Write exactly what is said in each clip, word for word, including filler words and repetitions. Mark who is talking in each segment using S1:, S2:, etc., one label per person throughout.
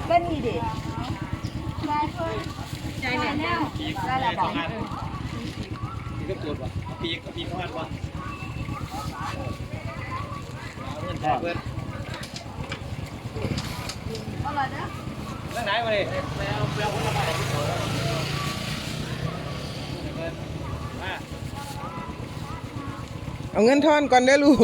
S1: ก็นี่ดิใจเนี่ยได้แล้วบอก
S2: ปีก็ตรวจว่ะปีก็ปีเข้ามาว่ะเงินแทนเพื่อนอะไรนะตั้งไหนมาดิแปลแปลคนละใบ
S3: เอาเงินทอนก่อนได้ลูก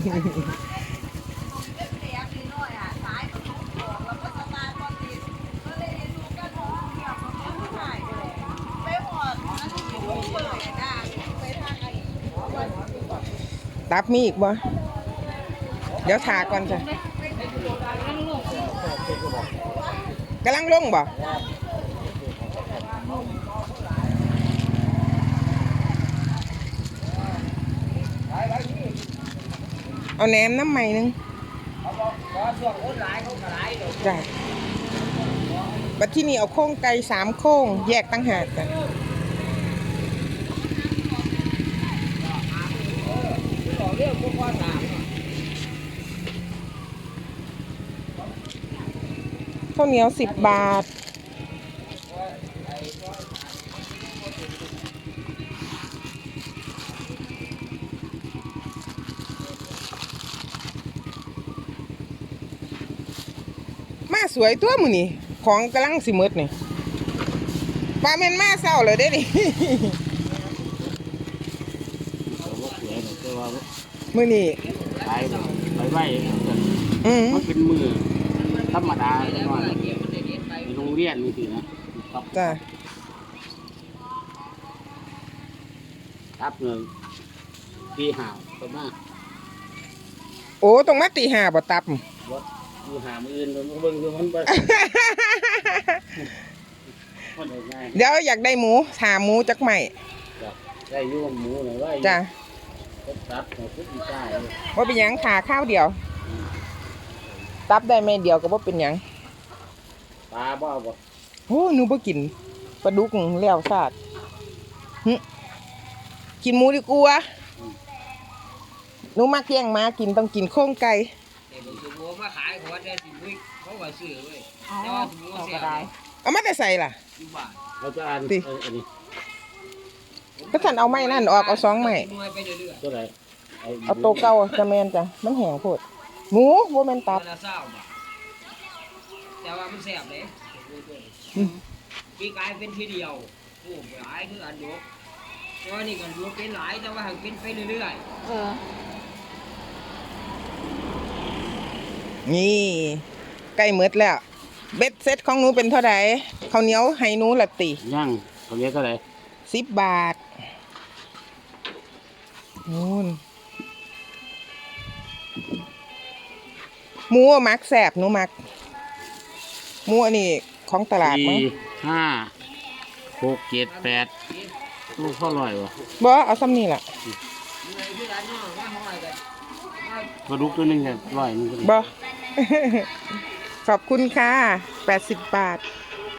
S3: ตับมีอีกบ่เดี๋ยวถาก่อนจ้ะกำลังลงบ่เอาแหนมน้ำใหม่นึงจ้ะบัดที่นี่เอาโค้งไก่สามโค้งแยกตั้งหากจ้ะข้าวเหนียวสิบบาทมาสวยตัวมือนี่ของกำลังสิมืดนี่ปลาเมนมาเศร้าเลยเด้ดิมือนี่
S4: ไปไปไหวมันเป็นมือธรรมดาในโรงเรียนนี่สินะ
S3: จ้ะ
S4: ครับหนึ่งตีห่าวประมาณ
S3: โอ้ตรงมาตีห้าบ่ตับ
S4: ตีห่ามืออื่นมันเบิ่งคือมัน
S3: เดี๋ยวอยากได้หมูถามหมูจักใหม่
S4: ได้ยุ่งหมูหน่อยว่า
S3: จ้ะ
S4: ตับของพุทธเจ้า
S3: ว่าเป็นยังขาข้าวเดียวตับได้ไม่เดียวก็ว่าเป็นยัง
S4: ปลาบ้าบ่
S3: โอ้หนูบ่กินปลาดุกแล้วซาดกินหมูดีกว่าหนูมักแย่งมากินต้องกินโค้งไก่
S2: มาขายหัวได้สิบวิเขาไหวซื้อเว้ย
S3: เอามาแต่ใส่ล่ะ
S4: เราจะอ่านอันนี้
S3: ก็ท่านเอาไม้นั่นออกเอาสองไม้
S4: ตัวไหน
S3: เอาโตเก่าจะแมนจ้ะมันแห้งโพดหมูโบแมนตับ
S2: แต่ว่ามันแซ่บเลยปีกายเป็นทีเดียวโอ้หลายคืออันดูเพราะนี่กันดูเป็นหลายแต่ว่าหักเป็นไปเรื่อยๆเออ
S3: นี่ใกล้มืดแล้วเบ็ดเซ็ตของหนูเป็นเท่าไหร่ข้าวเหนียวให้หนูละตี
S4: ย่างข้าวเหนียวเท่าไหร่
S3: สิบบาทนู่นหมูมักแสบหนูมักหมูอันนี้ของตลาดมั้ง
S4: ห้าหกเจ็ดแปดลูกข้าวลอยวะ
S3: บ่เอาซ้ำนี่แหละ
S4: ปลาดุกตัวนึงเนี่ยร้อยนึง
S3: บ่ขอบคุณค่ะแปดสิบบาท